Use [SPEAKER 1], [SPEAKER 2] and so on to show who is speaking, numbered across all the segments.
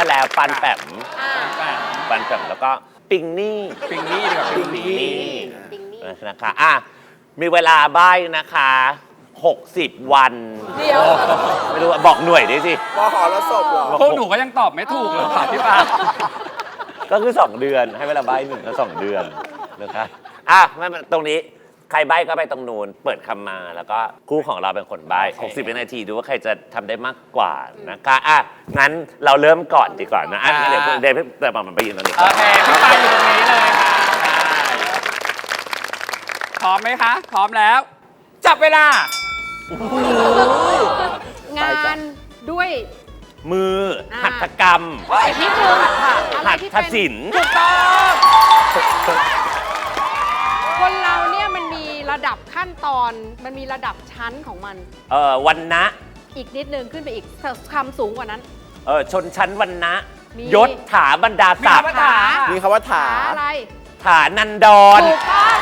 [SPEAKER 1] แล้วปันแปมปันแปมแล้วก็ปิงนี่ดีกว่าปิงนี่นะคะมีเวลาใบ้นะคะ60 วัน
[SPEAKER 2] เดี๋ยว
[SPEAKER 1] ไม่รู้บอกหน่วยดิสิ
[SPEAKER 3] มหรสพเหรอ
[SPEAKER 4] พวกหนูก็ยังตอบไม่ถูกเลยค่ะพี่ปา
[SPEAKER 1] ก็คือ2 เดือนให้เวลาใบ้1 ก็ 2 เดือนนะคะไม่ตรงนี้ใครใบ้ก็ไปตรงนู้นเปิดคำมาแล้วก็คู่ของเราเป็นคนใบ้60 วินาทีดูว่าใครจะทำได้มากกว่านะคะงั้นเราเริ่มก่อนดีกว่านะเดี๋ยวแต่มันไปยืนตรงนี้
[SPEAKER 4] โอเคพี่ปาอยู่ตรงนี้เลยค่ะพร้อมไหมคะพร้อมแล้วจับเวล
[SPEAKER 2] างานด้วย
[SPEAKER 1] มือหัตถกรรม
[SPEAKER 2] นิดนึง
[SPEAKER 1] หัตถศิลป์
[SPEAKER 4] ถูกต้อง
[SPEAKER 2] คนเราเนี่ยมันมีระดับขั้นตอนมันมีระดับชั้นของมัน
[SPEAKER 1] วรรณะ
[SPEAKER 2] อีกนิดนึงขึ้นไปอีกคำสูงกว่านั้น
[SPEAKER 1] ชนชั้นวรรณะยศถาบรรดาศักดิ์
[SPEAKER 3] มีคำว่าถา
[SPEAKER 2] อะไร
[SPEAKER 1] ถานันดร
[SPEAKER 2] ถูกต้อง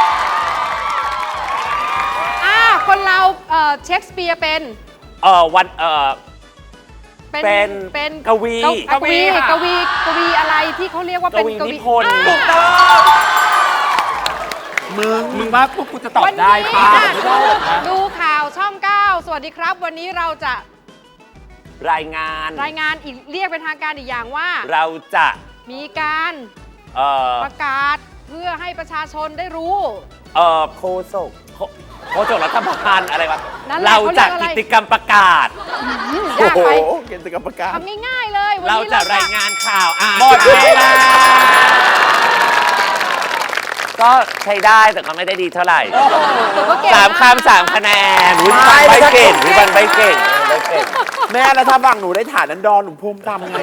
[SPEAKER 2] คนเราเชคสเปียร์เป็น
[SPEAKER 1] เป็นกวี
[SPEAKER 2] อะไรที่เขาเรียกว่าเป็นกวี
[SPEAKER 1] นิพนธ์ถูกต้อง
[SPEAKER 4] มึงว่าพวกกูจะตอบได้ค่ะ
[SPEAKER 2] ดูข่าวช่อง 9 สวัสดีครับวันนี้เราจะ
[SPEAKER 1] รายงาน
[SPEAKER 2] อีกเรียกเป็นทางการอีกอย่างว่า
[SPEAKER 1] เราจะ
[SPEAKER 2] มีการประกาศเพื่อให้ประชาชนได้รู้
[SPEAKER 1] โฆษกรัฐบาลอะไรวะเราจะกิจกรรมประกาศ
[SPEAKER 2] โอ้โห
[SPEAKER 3] กิจกรรมประกาศ
[SPEAKER 2] ทำง่ายๆเลย
[SPEAKER 1] เราจะรายงานข่าวหมดเวลาก็ใช้ได้แต่ก็ไม่ได้ดีเท่าไหร่3 คำ 3 คะแนนวิบันใบเก่ง
[SPEAKER 3] แม่แล้วถ้าฟังหนูได้ฐานนั้นดอนหนูภูมิทำไง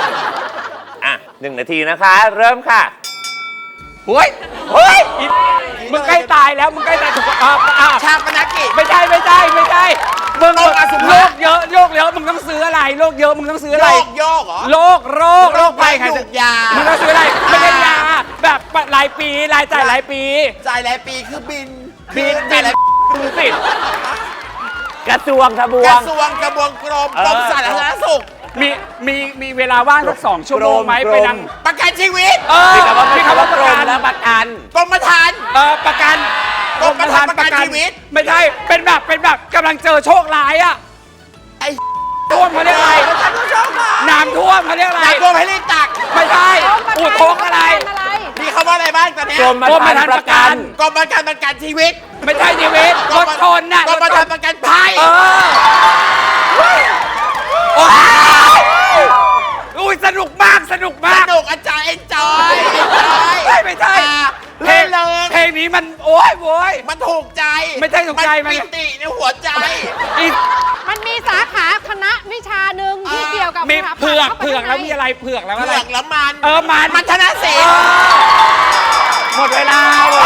[SPEAKER 1] 1 นาทีนะคะเริ่มค่ะ
[SPEAKER 4] เฮ้ยมึงใกล้ตายแล้วมึงใกล้ตายถูก
[SPEAKER 3] ชาปนกิจ
[SPEAKER 4] ไม่ใช่มึงโรคเยอะมึงต้องซื้ออะไรโรคเยอะมึงต้องซื้ออะไร
[SPEAKER 3] โรคเหรอ
[SPEAKER 4] โรคภัยไข้เจ็บ
[SPEAKER 3] ยา
[SPEAKER 4] มึงต้องซื้ออะไรไม่ใช่ยาแบบรายปีรายจ่ายรายปี
[SPEAKER 3] คือบิน
[SPEAKER 4] สิ
[SPEAKER 1] กระทรวงทบวง
[SPEAKER 3] กระบวงกรมสาธารณสุข
[SPEAKER 4] มีเวลาว่างสัก2 ชั่วโมงไหมไปนั่ง
[SPEAKER 3] ประกันชีวิต
[SPEAKER 1] มีคำว่าประกันและประกัน
[SPEAKER 3] กรมธรรม์
[SPEAKER 4] ประกัน
[SPEAKER 3] กรมธรรม์ประกันชีวิต
[SPEAKER 4] ไม่ใช่เป็นแบบกำลังเจอโชคร้ายอ่ะ
[SPEAKER 3] ไอ้
[SPEAKER 4] ท่วมเขาเรียกอะไรน้ำท่วมเขาเรียกอะไร
[SPEAKER 3] น้ำท่วมให้รีบตัก
[SPEAKER 4] ไม่ใช่อุทกอะไร
[SPEAKER 3] มีคำว่าอะไรบ้างตอนนี้
[SPEAKER 1] กรมธรรม์ประกัน
[SPEAKER 3] ชีวิต
[SPEAKER 4] ไม่ใช่ชีวิตรถชนน่ะ
[SPEAKER 3] กรมธรรม์ประกันภัย
[SPEAKER 4] อุ้ยสนุกมาก
[SPEAKER 3] อาจารย์เอ็นจอย
[SPEAKER 4] ไม่ใช่เพลงนี้มันโว้ย
[SPEAKER 3] มันถูกใจ
[SPEAKER 4] ไม่ใช่ถูกใจ
[SPEAKER 3] มันปิติในหัวใจ
[SPEAKER 2] มันมีสาขาคณะวิชาหนึ่งที่เกี่ยวกับ
[SPEAKER 4] มีเผือกแล้วมีอะไรเผือกแล้วอะไร
[SPEAKER 3] แล้ว
[SPEAKER 4] มัน
[SPEAKER 3] ธนศิลป์
[SPEAKER 4] หมดเวลา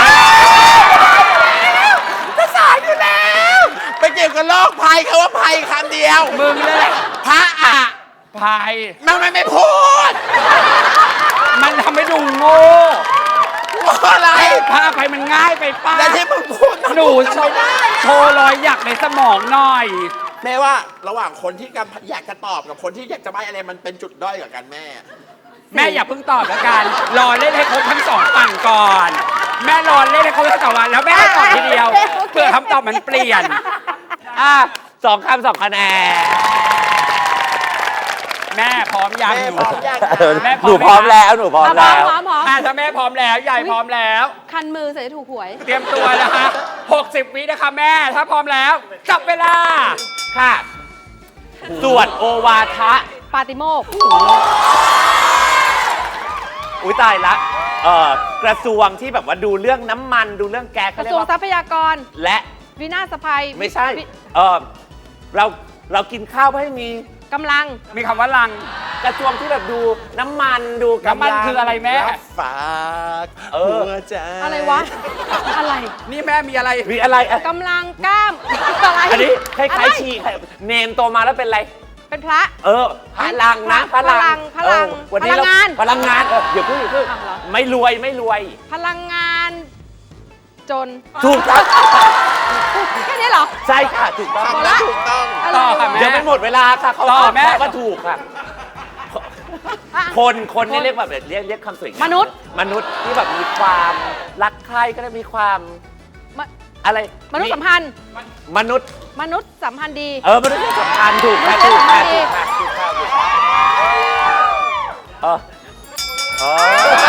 [SPEAKER 3] จะสายอยู่แล้วไปเกี่ยวกับโรคภัยคำว่าภัยคำเดียว
[SPEAKER 4] มึงเลย
[SPEAKER 3] พระ
[SPEAKER 4] ภัย
[SPEAKER 3] มันไม่พูด
[SPEAKER 4] มันทำให้ดูโง่
[SPEAKER 3] อะไร
[SPEAKER 4] พระภัยมันง่ายไปป้า
[SPEAKER 3] แต่ที่มึงพูด
[SPEAKER 4] หนูโชว์รอยหยักในสมองหน่อย
[SPEAKER 3] แม่ว่าระหว่างคนที่อยากจะตอบกับคนที่อยากจะใบ้อะไรมันเป็นจุดด้อยกว่ากันแม่
[SPEAKER 4] อย่าเพิ่งตอบแล้วกันรอเล่นให้ครบทั้ง2 ฝั่งก่อนแม่รอเล่นให้ครบทั้ง2 วันแล้วแม่ตอบทีเดียวเพื่อคำตอบมันเปลี่ยน
[SPEAKER 1] 2 คำ 2 คะแนน
[SPEAKER 4] แม่พร้อมยัง
[SPEAKER 1] หนูพร้อมแล้ว
[SPEAKER 4] ถ้าแม่พร้อมแล้วยายพร้อมแล้ว
[SPEAKER 2] คันมือใส่ถูกหวย
[SPEAKER 4] เตรียมตัวนะคะ60 วินะคะแม่ถ้าพร้อมแล้วจับเวลา
[SPEAKER 1] ค่ะสวดโอวาทะ
[SPEAKER 2] ปาติโมกข์
[SPEAKER 1] อุ้ยตายละกระทรวงที่แบบว่าดูเรื่องน้ำมันดูเรื่องแก๊ส
[SPEAKER 2] กระทรวงทรัพยากร
[SPEAKER 1] และ
[SPEAKER 2] วินาศภัย
[SPEAKER 1] ไม่ใช่เรากินข้าวเพื่อให้มี
[SPEAKER 2] กำลัง
[SPEAKER 4] มีคำว่าลัง
[SPEAKER 1] กระทรวงที่แบบดูน้ำมันดู
[SPEAKER 4] น้ำมันคืออะไรแม่
[SPEAKER 3] ฝากหัวใจ
[SPEAKER 2] อะไรวะอะไร
[SPEAKER 4] นี่แม่มีอะไร
[SPEAKER 2] กำลังกล้ามอะไร
[SPEAKER 1] อันนี้คล้ายๆชีเนนโตมาแล้วเป็นอะไร
[SPEAKER 2] เป็นพระ
[SPEAKER 1] พลังนะ
[SPEAKER 2] พลัง
[SPEAKER 1] วันนี้เราพลังงานอย่าพึ่งไม่รวย
[SPEAKER 2] พลังงานจน
[SPEAKER 1] ถูกต้อง
[SPEAKER 2] แค่นี้เหรอ
[SPEAKER 1] ใช่ค่ะถูกต้อง
[SPEAKER 3] ถูกต้อง
[SPEAKER 4] ต่อค่ะแม่
[SPEAKER 1] ยังไม่หมดเวลาค่ะเขาตอบแม่ก็ถูกค่ะคนนี่เรียกแบบเรียกคำสวยงาม
[SPEAKER 2] มนุษย์
[SPEAKER 1] มนุษย์ที่แบบมีความรักใครก็ได้มีความ
[SPEAKER 2] มะ
[SPEAKER 1] อะไร
[SPEAKER 2] มนุษย์สัมพันธ์
[SPEAKER 1] มนุษย์
[SPEAKER 2] มนุษย์สัมพันธ์ดี
[SPEAKER 1] มนุษย์สัมพันธ์ถูกค่ะ
[SPEAKER 2] มนุ
[SPEAKER 1] ถู
[SPEAKER 2] ษ
[SPEAKER 1] ก
[SPEAKER 2] ย์สั
[SPEAKER 1] ค่ะ
[SPEAKER 2] มพันธ์ดี
[SPEAKER 1] ถูกค่ะถูกค่ะถูกค่ะอ๋อ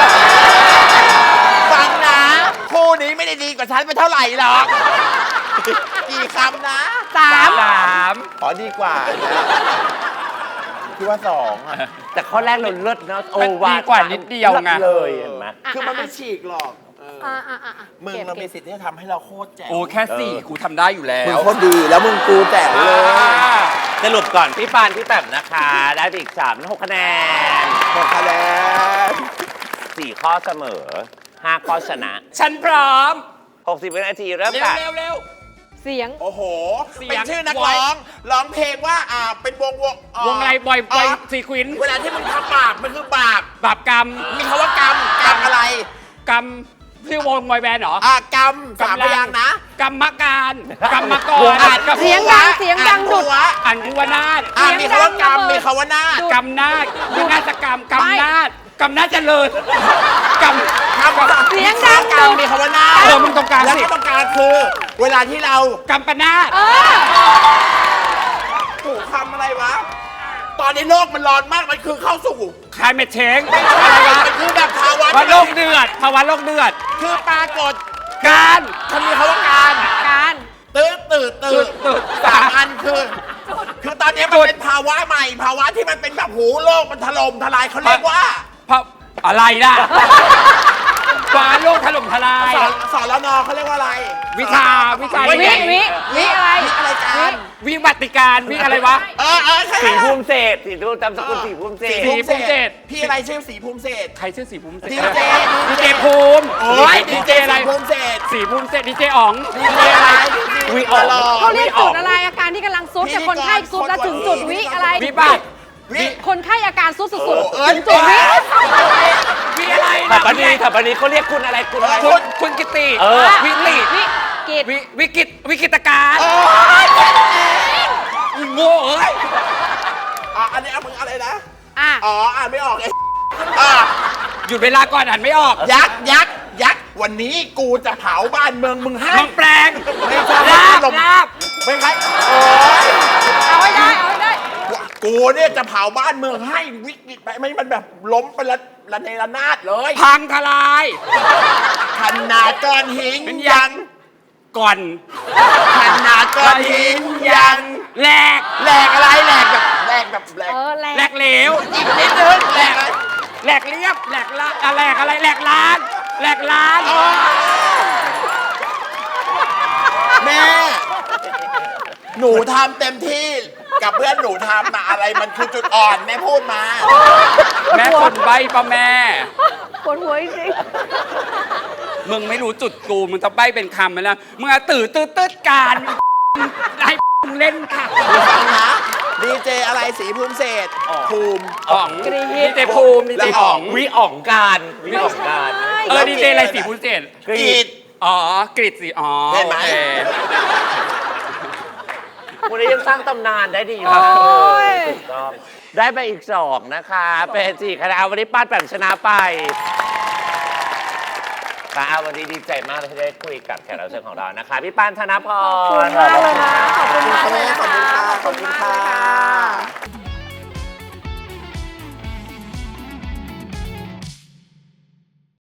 [SPEAKER 3] ฟังนะคู่นี้ไม่ได้ดีกว่าฉันไปเท่าไหร่หรอกกี่คำนะ
[SPEAKER 2] สาม
[SPEAKER 3] ขอดีกว่าพี่ว่า2อ่ะ
[SPEAKER 1] แต่ข้อแรกเราเลิศเนาะโอ
[SPEAKER 4] มัน
[SPEAKER 1] วา
[SPEAKER 4] ดีกว่านิดเดียวไง
[SPEAKER 1] ลิศเลยเห็นไหม
[SPEAKER 3] คือมันไม่ฉีกหรอกมึง
[SPEAKER 2] ก็บ
[SPEAKER 3] เรามีสิทธิ์ที่จะทำให้เราโคตรแจ๋ว
[SPEAKER 4] โอ้แค่สี่กูทำได้อยู่แล้
[SPEAKER 3] มึง
[SPEAKER 4] ว
[SPEAKER 3] โคตรดีแล้วมึงกูแจ๋วเลย
[SPEAKER 1] สรุปก่อนพี่ปานพี่แต้มนะคะ ได้ไปอีก3 6คะแนน
[SPEAKER 3] 6 คะแนน
[SPEAKER 1] 4 ข้อเสมอ 5 ข้อชนะ
[SPEAKER 4] ฉันพร้อม
[SPEAKER 1] 60 วินาทีเริ่ม
[SPEAKER 4] เร็ว
[SPEAKER 1] ค่ะ
[SPEAKER 4] เร็วเร็ว
[SPEAKER 2] เสียง
[SPEAKER 3] โอ้โห
[SPEAKER 4] เสียง
[SPEAKER 3] เป็นชื่อนักร้อง ร้องเพลงว่าเป็นวง
[SPEAKER 4] วงอะไรบอยซีควิน
[SPEAKER 3] เวลาที่มึงทำบาปมันคือบาป
[SPEAKER 4] บาปกรรม
[SPEAKER 3] มีคำว่ากรรมอะไร
[SPEAKER 4] กรรมชื่อวงบอยแบนด์เหรอ
[SPEAKER 3] กรรมสามพยางค์นะ
[SPEAKER 4] กรรมการกรรมก
[SPEAKER 1] ว
[SPEAKER 4] รง
[SPEAKER 1] อ่ะ
[SPEAKER 4] กับ
[SPEAKER 2] เสียงดังเสียงดังดุด
[SPEAKER 4] อันกุวนาถ
[SPEAKER 3] มีคำว่ากรรมมีคำว่านาฏ
[SPEAKER 4] กรรมนาฏวินาศกรรมกรรมนาฏกรรมนาฏเจริญกรรม
[SPEAKER 2] เสียงดัง
[SPEAKER 3] กรรมมีคำว่านาฏ
[SPEAKER 4] มึงตรงกลาง
[SPEAKER 3] แล้ว
[SPEAKER 4] สิ
[SPEAKER 3] ก็ตรงกลางคือ เวลาที่เรา
[SPEAKER 4] กรรมปนาฏ
[SPEAKER 3] ถูกคำอะไรวะ ตอนนี้โลกมันร้อนมากมันคือเข้าสู่
[SPEAKER 4] คลายเมทเชงอะไรวะ
[SPEAKER 3] มันคือแบบภาวะ
[SPEAKER 4] ภาวะโลกเดือดภาวะโลกเดือด
[SPEAKER 3] คือปรากฏ
[SPEAKER 4] การ
[SPEAKER 3] มันมีคำว่าการ
[SPEAKER 2] การ
[SPEAKER 3] ตื่นสามอันคือตอนนี้มันเป็นภาวะใหม่ ภาวะที่มันเป็นแบบหูโลกมันถล่มทลายเขาเรียกว่า
[SPEAKER 4] เพราะอะไรล่ะฟ้าโลกถล่มทลาย
[SPEAKER 3] สอนแล้วนอเขาเรียกว่าอะไร
[SPEAKER 4] วิชา
[SPEAKER 2] วิอะไร
[SPEAKER 3] อะไรการ
[SPEAKER 4] วิบัติการวิอะไรวะ
[SPEAKER 3] ใช่
[SPEAKER 1] สีภูมิเศษสีดูจำสกุลสีภูมิเศษ
[SPEAKER 4] สีภูมิเศษ
[SPEAKER 3] พี่อะไรชื่อสีภูมิเศษ
[SPEAKER 4] ใครชื่อสีภูมิเศษ
[SPEAKER 3] ดีเจ
[SPEAKER 4] ดีเจภูมิ
[SPEAKER 3] โอ้ยดีเจ
[SPEAKER 4] อะไร
[SPEAKER 3] สีภูมิเศษ
[SPEAKER 4] สีภูมิเศษดีเจอ๋อง
[SPEAKER 3] ดีเจอะไร
[SPEAKER 1] วิออก
[SPEAKER 2] เขาเรียกจุดอะไรอาการที่กำลังซุดแต่คนไข้ซุดแล้วถึงจุดวิอะไร
[SPEAKER 4] วิบัติ
[SPEAKER 3] วิ
[SPEAKER 2] คนไข้อาการซุดสุด
[SPEAKER 3] โอ้
[SPEAKER 2] ๆถึงจุดวิ
[SPEAKER 4] วิอะไร
[SPEAKER 1] ถัปปนีถัปปนีเขาเรียกคุณอะไรคุณอะไร
[SPEAKER 4] คุณกิติ วิลิ
[SPEAKER 2] วิกิต
[SPEAKER 4] วิกิตการ
[SPEAKER 3] โอ้ย
[SPEAKER 4] อีโง่เอ้ย
[SPEAKER 3] อันนี้เอามึงอะไรนะ
[SPEAKER 2] อ่ะ
[SPEAKER 3] อ่านไม่ออกไอ้
[SPEAKER 4] หยุดเวลาก่อนอ่านไม่ออก
[SPEAKER 3] ยักษ์วันนี้กูจะเผาบ้านเมืองมึงให้
[SPEAKER 4] มังแปลง
[SPEAKER 3] ไม่ใช่
[SPEAKER 4] ลาบ
[SPEAKER 3] ลม
[SPEAKER 4] ลาบ
[SPEAKER 3] ไม่ใช่โอ้ย
[SPEAKER 2] เอาให้ได้เอาให้ได้
[SPEAKER 3] กูเนี่ยจะเผาบ้านเมืองให้วิกฤตไปไม่มันแบบล้มไปละเนระนาดเลย
[SPEAKER 4] พังทลาย
[SPEAKER 3] ขนาดก้อนหิน
[SPEAKER 4] เป็น
[SPEAKER 3] ยัง
[SPEAKER 4] ก่อน
[SPEAKER 3] ขนาดก้อนหินยัง
[SPEAKER 4] แหลก
[SPEAKER 3] แหลกอะไรแหลกแบบแหลกแบบแหลก
[SPEAKER 2] แร
[SPEAKER 4] แหล
[SPEAKER 2] ก
[SPEAKER 4] กเหลว
[SPEAKER 3] อีกนิดนึงแหลกอะไร
[SPEAKER 4] แหลกเรียบแหลกละแหลกอะไรแหลกล้านแหลกล้าน
[SPEAKER 3] แม่ หนูทำเต็มที่กับเพื่อนหนูทำมาอะไรมันคือจุดอ่อนแม่พูดมา
[SPEAKER 4] แม่คนใบปะแม่
[SPEAKER 2] ปวดหัวจริง
[SPEAKER 4] มึงไม่รู้จุดกูมึงจะใบเป็นคำไปแล้วมึงอะตื่นการให้มึงเล่นค่ะ
[SPEAKER 3] ฟังนะดีเจอะไรสีภูมิเศษภูมิ
[SPEAKER 4] อ๋องดีเจภูมิดีเจอ๋อง
[SPEAKER 1] วิอ่องการวิอ่องการ
[SPEAKER 4] ดีเจอะไรสีภูมิเศษ
[SPEAKER 1] กรี
[SPEAKER 3] กี
[SPEAKER 1] ด
[SPEAKER 3] ด
[SPEAKER 4] อ๋อกริดสิอ๋อ
[SPEAKER 3] เห็นไหม
[SPEAKER 4] โอเค
[SPEAKER 1] คุณนี้ยังสร้างตำนานได้ดีอยู่
[SPEAKER 2] โอ้ย
[SPEAKER 1] ถูกต้องได้ไปอีก2นะคะเป็น4คะแนนวันนี้ป้านแปมชนะไปค่ะวันนี้ดีใจมากเลยที่ได้คุยกับแขกรับเชิญของเรานะคะพี่ปานธนพร
[SPEAKER 2] ขอบคุณมากเลยนะ ขอบคุณมากเลยนะ
[SPEAKER 3] ขอบคุณ
[SPEAKER 2] คะ
[SPEAKER 3] ค่ะขอบคุณค่ะ